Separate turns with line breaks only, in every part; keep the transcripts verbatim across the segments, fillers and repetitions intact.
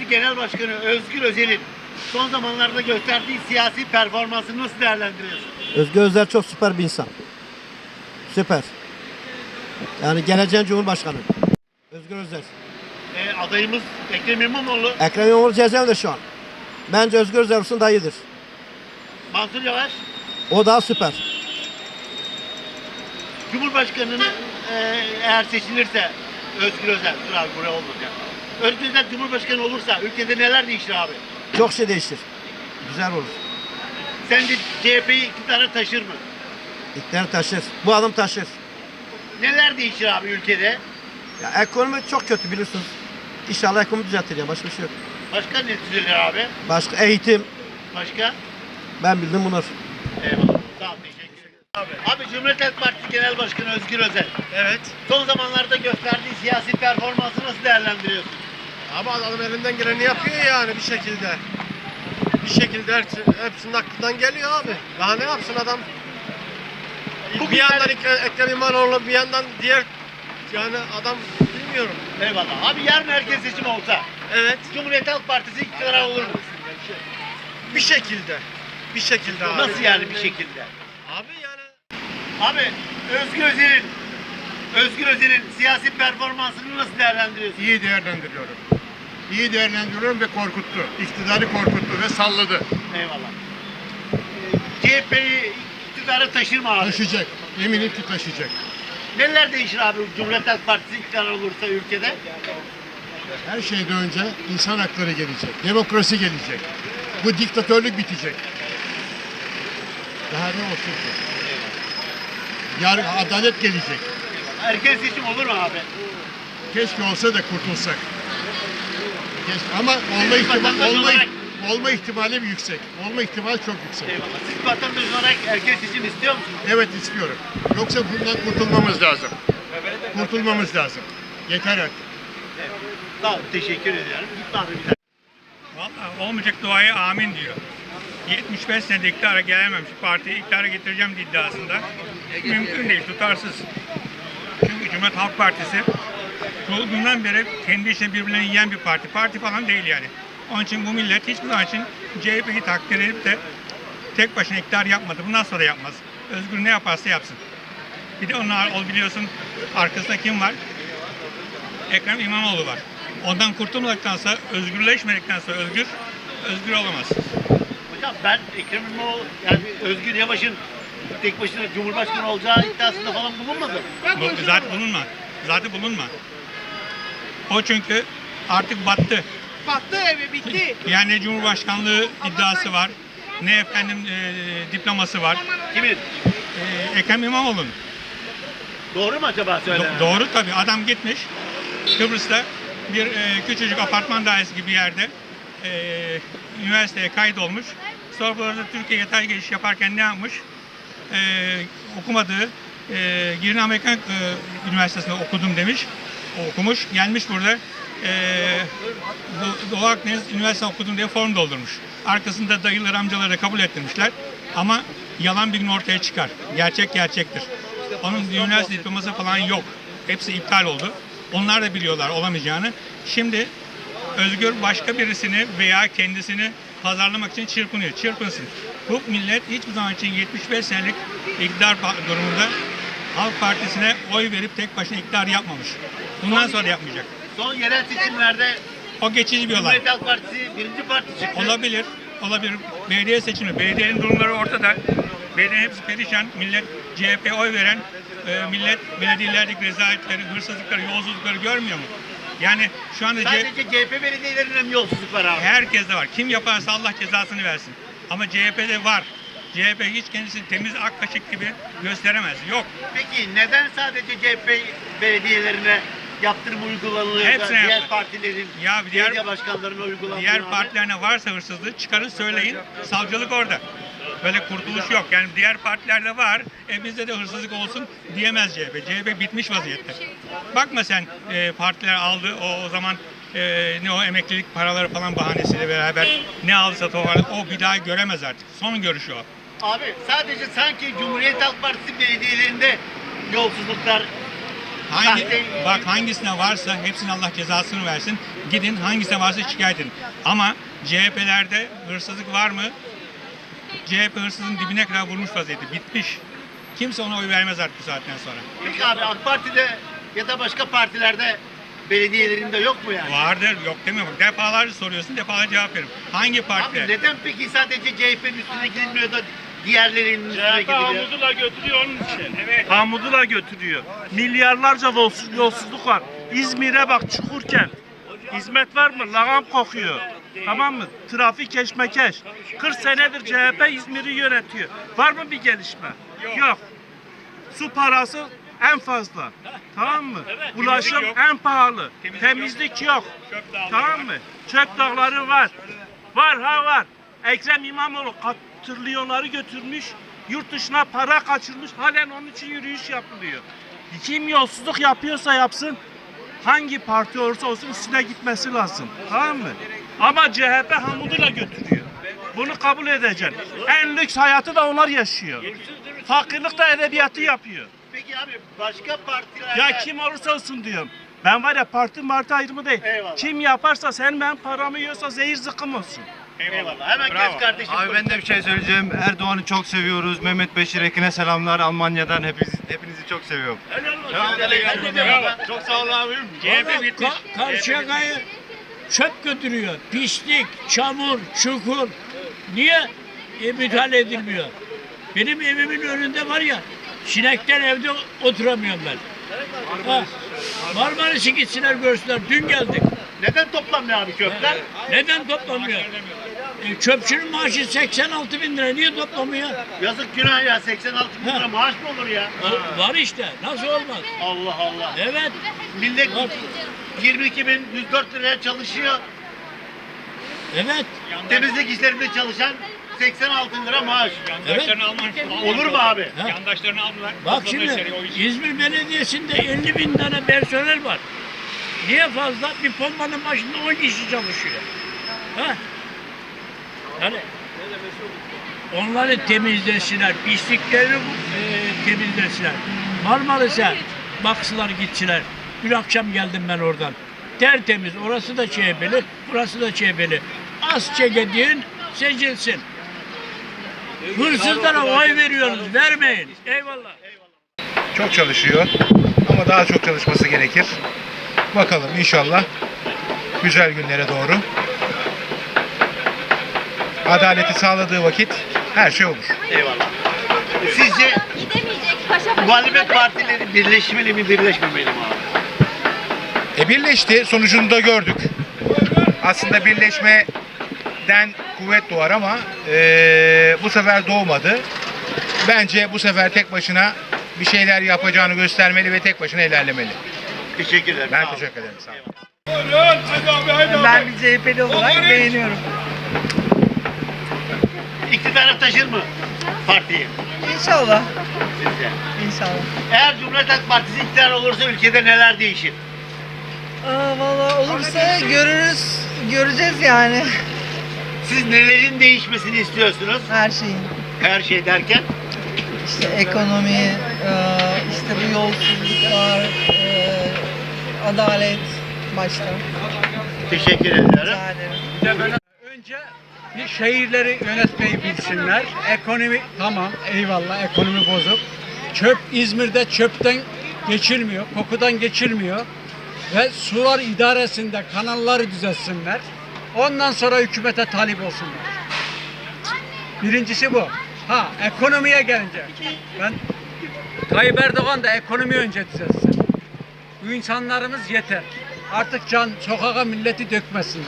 Parti Genel Başkanı Özgür Özel'in son zamanlarda gösterdiği siyasi performansını nasıl değerlendiriyorsun?
Özgür Özel çok süper bir insan. Süper. Yani geleceğin Cumhurbaşkanı. Özgür Özel.
E, adayımız Ekrem İmamoğlu,
Ekrem İmamoğlu cezaevinde şu an. Bence Özgür Özel olsun daha iyidir.
Mansur Yavaş,
O daha süper.
Cumhurbaşkanı'nı e, eğer seçilirse Özgür Özel, dur abi buraya olmayacak. Özgür Özel Cumhurbaşkanı olursa ülkede neler değişir abi?
Çok şey değişir. Güzel olur.
Sence C H P'yi iktidara taşır mı?
İktidar taşır. Bu adam taşır.
Neler değişir abi ülkede?
Ya ekonomi çok kötü biliyorsunuz. İnşallah ekonomi düzeltir ya. Başka bir şey yok.
Başka ne düzelir abi?
Başka eğitim.
Başka?
Ben bildim bunlar.
Eyvallah. Sağ ol, teşekkür ederim. Abi, abi Cumhuriyet Halk Partisi Genel Başkanı Özgür Özel.
Evet.
Son zamanlarda gösterdiği siyasi performansı nasıl değerlendiriyorsun?
Ama adam elinden geleni yapıyor yani bir şekilde. Bir şekilde hepsi- hepsinin aklından geliyor abi. Daha ne yapsın adam?
Bugün
bir yandan
ben-
Ekrem Ekrem İmamoğlu, bir yandan diğer yani adam bilmiyorum.
Eyvallah. Abi yarın erken seçim olsa
Evet.
Cumhuriyet Halk Partisi iktidara olur mu?
Bir şekilde. Bir şekilde abi.
Nasıl yani bir şekilde?
Abi yani
Abi Özgür Özel'in Özgür Özel'in siyasi performansını nasıl değerlendiriyorsun?
İyi değerlendiriyorum. İyi değerlendiriyorum ve korkuttu. İktidarı korkuttu ve salladı.
Eyvallah. Ee, C H P'yi iktidara taşır mı abi?
Taşıyacak. Eminim ki taşıyacak.
Neler değişir abi Cumhuriyet Halk Partisi iktidar olursa ülkede?
Her şeyden önce insan hakları gelecek. Demokrasi gelecek. Bu diktatörlük bitecek. Daha ne olsun ki? Yarın adalet gelecek.
Erken seçim olur mu abi?
Keşke olsa da kurtulsak. Keşke. Ama olma
Siz
ihtimali,
vatandaş
olma,
olarak-
olma ihtimali yüksek. Olma ihtimali çok yüksek.
Eyvallah. Siz vatandaş olarak erken seçim istiyor musunuz?
Evet istiyorum. Yoksa bundan kurtulmamız lazım. Kurtulmamız lazım. Yeter artık.
Sağ ol, teşekkür ediyorum. Git abi bir daha.
Vallahi olmayacak duaya amin diyor. yetmiş beş senede iktidara gelememiş partiyi iktidara getireceğim iddiasında. Mümkün değil, tutarsız. Çünkü Cumhuriyet Halk Partisi kurulduğundan beri kendi içinde birbirlerini yiyen bir parti. Parti falan değil yani. Onun için bu millet hiçbir zaman için C H P'yi takdir edip de tek başına iktidar yapmadı. Bundan sonra yapmaz. Özgür ne yaparsa yapsın. Bir de onlar ol biliyorsun arkasında kim var? Ekrem İmamoğlu var. Ondan kurtulmadıktansa, özgürleşmedikten sonra özgür, özgür olamaz.
Hocam ben Ekrem İmamoğlu, yani Özgür Yavaş'ın tek başına Cumhurbaşkanı olacağı iddiasında falan bulunmadı.
Bu, zaten bulunma. Zaten bulunma. O çünkü artık battı.
Battı evi bitti.
Yani Cumhurbaşkanlığı iddiası var. Ne efendim e, diploması var.
Kimin?
E, Ekrem İmamoğlu'nun.
Doğru mu acaba söyle?
Do- doğru tabii. Adam gitmiş Kıbrıs'ta bir e, küçücük apartman dairesi gibi yerde e, üniversiteye kaydolmuş. Sonra burada Türkiye yatay geçiş yaparken ne yapmış? E, okumadığı e, Girne Amerikan e, Üniversitesi'nde okudum demiş. O okumuş. Gelmiş burada e, Do- Doğu Akdeniz Üniversitesi okudum diye form doldurmuş. Arkasında dayıları amcaları da kabul ettirmişler. Ama yalan bir gün ortaya çıkar. Gerçek gerçektir. Onun üniversite diploması falan yok. Hepsi iptal oldu. Onlar da biliyorlar olamayacağını. Şimdi Özgür başka birisini veya kendisini pazarlamak için çırpınıyor. Çırpınsın. Bu millet hiçbir zaman için yetmiş beş senelik iktidar pa- durumunda Halk Partisi'ne oy verip tek başına iktidar yapmamış. Bundan sonra yapmayacak.
Son yerel seçimlerde
O geçici bir olay.
Cumhuriyet Halk Partisi birinci parti çıktı.
Olabilir. Olabilir. Belediye seçimi. Belediyenin durumları ortada. Belediyenin hepsi perişan. Millet C H P'ye oy veren e, millet belediyelerdeki rezaletleri, hırsızlıkları, yolsuzlukları görmüyor mu? Yani şu anda C-
Sadece C H P belediyelerinde mi yolsuzluk var abi?
herkes de var. Kim yaparsa Allah cezasını versin. Ama C H P'de var. C H P hiç kendisini temiz ak kaşık gibi gösteremez. Yok.
Peki neden sadece C H P belediyelerine yaptırım uygulanıyor da
Hepsine
diğer
yaptı.
partilerin,
Ya diğer-
belediye başkanlarına uygulanmıyor
Diğer
abi?
partilerine varsa hırsızlığı çıkarın söyleyin. Savcılık orada. Böyle kurtuluş yok. Yani diğer partilerde var. E bizde de hırsızlık olsun diyemez C H P. C H P bitmiş vaziyette. Bakma sen e, partiler aldı o, o zaman e, ne o emeklilik paraları falan bahanesiyle beraber ne aldıysa toparladı. O bir daha göremez artık. Son görüşü o.
Abi sadece sanki Cumhuriyet Halk Partisi belediyelerinde yolsuzluklar
Hangi,
Sahte-
bak hangisine varsa hepsine Allah cezasını versin. Gidin hangisine varsa şikayet edin. Ama C H P'lerde hırsızlık var mı? C H P hırsızın dibine kadar vurmuş vaziyette. Bitmiş. Kimse ona oy vermez artık bu saatten sonra.
Peki abi AK Parti'de ya da başka partilerde belediyelerinde yok mu yani?
Vardır, yok demiyorum. Defalarca soruyorsun, defalarca cevap veririm. Hangi
Abi
partide?
neden peki sadece C H P'nin üstüne gidilmiyor da diğerlerinin üstüne gidiliyor?
Hamudula götürüyor onun için. Evet. Hamudula götürüyor. Milyarlarca yolsuz- yolsuzluk var. İzmir'e bak Çukurkent. Hizmet var mı? Lağım kokuyor. Tamam mı? Trafik keşmekeş. kırk senedir C H P İzmir'i yönetiyor. Var mı bir gelişme? Yok. Su parası en fazla. Tamam mı? Ulaşım
Temizlik yok.
en pahalı.
Temizlik
Temizlik yok.
Çöp dağları
Tamam
var.
mı? Çöp dağları var. Var ha var. Ekrem İmamoğlu kat- trilyonları götürmüş. Yurt dışına para kaçırmış. Halen onun için yürüyüş yapılıyor. Kim yolsuzluk yapıyorsa yapsın. Hangi parti olursa olsun üstüne gitmesi lazım. Tamam mı? Ama C H P hamuduyla götürüyor. Bunu kabul edeceksin. En lüks hayatı da onlar yaşıyor. Fakirlik de edebiyatı yapıyor.
Peki abi başka partilerde...
Ya kim olursa olsun diyorum. Ben var ya parti martı ayrımı değil.
Eyvallah.
Kim yaparsa sen ben paramı yiyorsa zehir zıkkım olsun.
Eyvallah. Hemen
Bravo.
geç kardeşim.
Abi ben de bir şey söyleyeceğim. Erdoğan'ı çok seviyoruz. Mehmet Beşir Ekin'e selamlar. Almanya'dan hepinizi, hepinizi çok seviyorum.
Çok sağ ol abim.
C H P bitmiş.
Karşıyaka'yı çöp götürüyor. Pislik, çamur, çukur. Niye e, müdahale edilmiyor? Benim evimin önünde var ya, sinekten evde oturamıyorum ben. Ha, Marmaris'i gitsinler görsünler. Dün geldik.
Neden toplanmıyor abi köpler?
Neden toplamıyor? E, çöpçünün maaşı seksen altı bin lira. Niye toplamıyor?
Yazık günah ya seksen altı bin lira
Ha.
maaş mı olur ya?
O, var işte. Nasıl olmaz?
Allah Allah.
Evet.
Millet
Var.
yirmi iki bin yüz dört liraya çalışıyor.
Evet.
Temizlik işlerinde çalışan seksen altı lira maaş.
Yandaşlarını almış.
Olur mu abi?
Ha.
Yandaşlarını aldılar.
Bak
Topladılar
şimdi
içeri o işi.
İzmir Belediyesi'nde elli bin tane personel var. Niye fazla? Bir pompanın başında on kişi çalışıyor. Ha? Yani onları temizlesinler, pisliklerini e, temizlesinler. Marmaris'e baksılar gitsinler. Dün akşam geldim ben oradan. Tertemiz, orası da C H P'li, burası da C H P'li. Az çekediğin seçilsin. Hırsızlara oy veriyoruz, vermeyin. Eyvallah.
Çok çalışıyor ama daha çok çalışması gerekir. Bakalım inşallah güzel günlere doğru. Adaleti sağladığı vakit her şey olur.
Eyvallah. Sizce muhalefet partileri birleşmeli mi birleşmemeli mi abi?
E birleşti. Sonucunu da gördük. Aslında birleşmeden kuvvet doğar ama e, bu sefer doğmadı. Bence bu sefer tek başına bir şeyler yapacağını göstermeli ve tek başına ilerlemeli.
Teşekkür ederim.
Ben
sağ olun.
teşekkür ederim. Sağ olun.
Ben bir C H P'li olarak beğeniyorum.
İktidara taşır mı partiyi
İnşallah.
sizce?
İnşallah.
Eğer Cumhuriyet Halk Partisi iktidar olursa ülkede neler değişir?
Aa, vallahi olursa görürüz, göreceğiz yani.
Siz nelerin değişmesini istiyorsunuz?
Her şeyin.
Her şey derken?
İşte ekonomi, e, işte bu yolsuzluklar, e, adalet başta.
Teşekkür ediyorum.
Rica ederim.
Önce bir şehirleri yönetmeyi bilsinler. Ekonomi tamam, eyvallah ekonomi bozuk. Çöp İzmir'de çöpten geçilmiyor, kokudan geçilmiyor. Ve sular idaresinde kanalları düzeltsinler. Ondan sonra hükümete talip olsunlar. Birincisi bu. Ha ekonomiye gelince ben Tayyip Erdoğan da ekonomi önce düzeltsin. Bu insanlarımız yeter. Artık can sokağa milleti dökmesinler.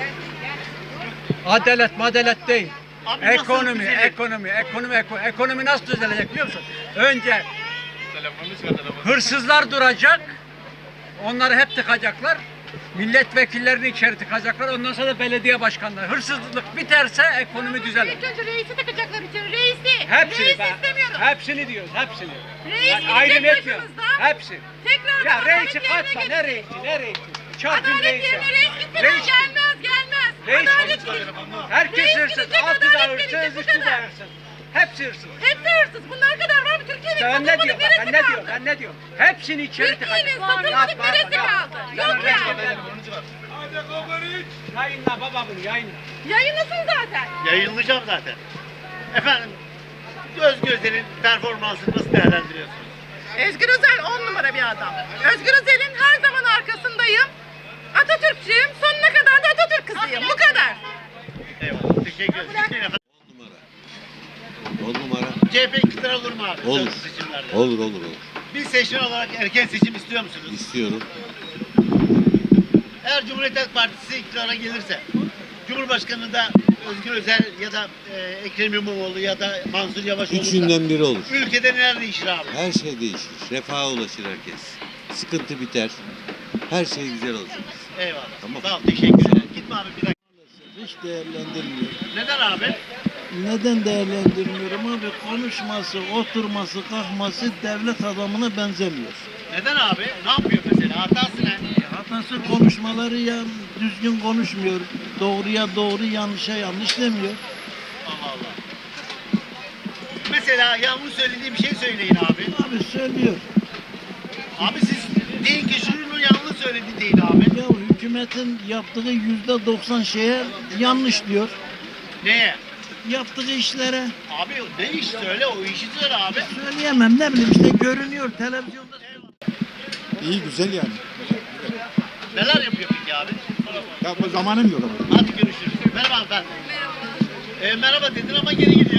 Adalet madalet değil.
Abi nasıl
Ekonomi,
düzelir?
ekonomi, ekonomi, ekonomi, ekonomi nasıl düzelecek biliyor musun? Önce hırsızlar duracak, onları hep tıkacaklar, milletvekillerini içeri tıkacaklar, ondan sonra da belediye başkanları. Hırsızlık biterse ekonomi düzelir.
İlk önce reisi takacaklar içeri, reisi.
Hepsini
reisi
ben-
istemiyorum.
Hepsini diyoruz, hepsini.
Reis
Yani
gidecek
ayrım etmiyorum.
başımızdan.
Hepsi.
Tekrar
Ya
adalet
reisi
yerine
katma,
gelecek.
ne reisi, ne reisi? Çarpın
Adalet
reisi.
yerine reis gitmeden
Reis-
gelmez, gelmez.
Reis-
Adalet gidecek.
Herkes
Reis
hırsız,
gidecek,
altı da
adalet
hırsız,
gelecek, bu
üstü de
kadar.
hırsız. Hepsi hırsız.
Hepsi hırsız. Bunlar kadar var mı? Türkiye'nin
Ben ne
satılmadık
diyorum?
neresi
Ben ne
kaldı?
diyorum? Ben ne diyorum? Hepsini içeri
Türkiye'nin
tıkacak.
satılmadık neresi kaldı? Yok yani.
Yayınla baba bunu yayınla.
Yayınlasın zaten.
Yayınlayacağım zaten. Efendim, Özgür Özel'in performansını nasıl değerlendiriyorsunuz?
Özgür Özel on numara bir adam. Özgür Özel'in her zaman arkasındayım. Atatürkçüyüm. Sonuna kadar da Atatürk kızıyım. Bu kadar.
Eyvallah, teşekkür ederim. Gitmeyin efendim.
On numara.
C H P iktidar olur mu abi?
Olur.
Son seçimlerde.
Olur olur olur.
Bir seçmen olarak erken seçim istiyor musunuz?
İstiyorum.
Eğer Cumhuriyet Halk Partisi iktidara gelirse, Cumhurbaşkanı da Özgür Özel ya da e, Ekrem İmamoğlu ya da Mansur Yavaş olursa,
Üçünden biri olur.
ülkede neler değişir abi?
Her şey değişir. Refaha ulaşır herkes. Sıkıntı biter. Her şey güzel olacak.
Eyvallah.
Tamam.
Sağ ol, teşekkür ederim. Gitme abi bir dakika.
Hiç değerlendirmiyorum.
Neden abi?
Neden değerlendirmiyorum abi? Konuşması, oturması, kalkması devlet adamına benzemiyor.
Neden abi? Ne yapıyor mesela? Hatası ne?
Hatası konuşmaları ya düzgün konuşmuyor. Doğruya doğru, yanlışa yanlış demiyor.
Allah Allah. Mesela yanlış söylediği bir şey söyleyin abi.
Abi söylüyor.
Abi siz deyin ki şunu yanlış söyledi deyin abi.
Ya hükümetin yaptığı yüzde doksan şeye yanlış diyor.
Neye?
Yaptığı işlere.
Abi ne iş söyle, o işi söyle abi.
Söyleyemem, ne bileyim işte görünüyor televizyonda.
İyi güzel yani.
Neler yapıyor peki abi?
Ya bu zamanım yok ama.
Hadi görüşürüz. Merhaba hanımefendi. Merhaba. Ee, merhaba dedin ama geri gidiyor.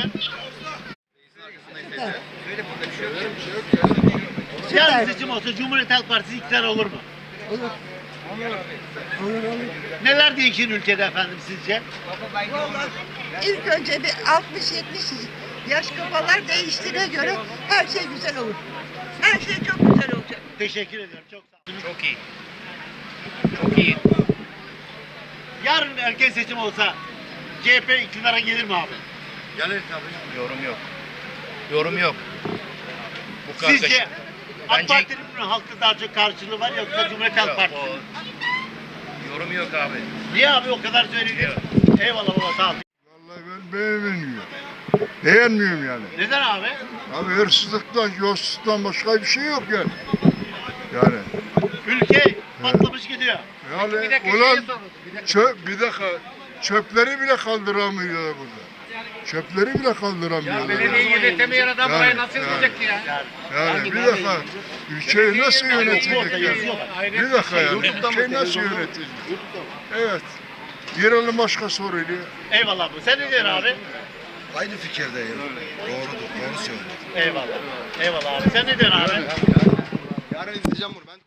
Yarın seçim olsa Cumhuriyet Halk Partisi iktidar olur mu?
Olur. Olur olur.
Neler değişir ülkede efendim sizce?
Vallahi ilk önce bir altmış yetmiş yaş kafalar değiştiğine göre her şey güzel olur. Her şey çok güzel olacak.
Teşekkür ederim. Çok sağ olun.
Çok iyi. Çok iyi.
Yarın erken seçim olsa C H P iktidara gelir mi abi?
Gelir tabii. Yorum yok. Yorum yok. Bu kargaşa-
Sizce AK
Bence-
Parti'nin mi halkta daha çok karşılığı var yoksa Cumhuriyet Halk
Yok,
Partisi mi?
o- Yorum yok abi.
Niye abi o kadar söyledin? Eyvallah baba sağ ol.
Vallahi ben beğenmiyorum. Beğenmiyorum yani.
Neden abi?
Abi hırsızlıktan, yolsuzluktan başka bir şey yok yani. Yani.
Ülke patlamış gidiyor.
Yani ulan çöp, bir dakika çöpleri bile kaldıramıyorlar burada. Çöpleri bile kaldıramıyorlar.
Belediyeyi yönetemeyen adam
Yani,
burayı nasıl
yani.
yönetecek ya?
Yani bir dakika ülkeyi nasıl yönetecek yani? Bir dakika yani ülkeyi nasıl yönetecek? Evet. Girelim başka soruyla.
Eyvallah bu. Sen ne diyorsun abi?
Aynı fikirdeyim. Doğrudur. Doğru söylüyor.
Eyvallah. Eyvallah abi. Sen ne diyorsun abi?
Yarın izleyeceğim bunu ben.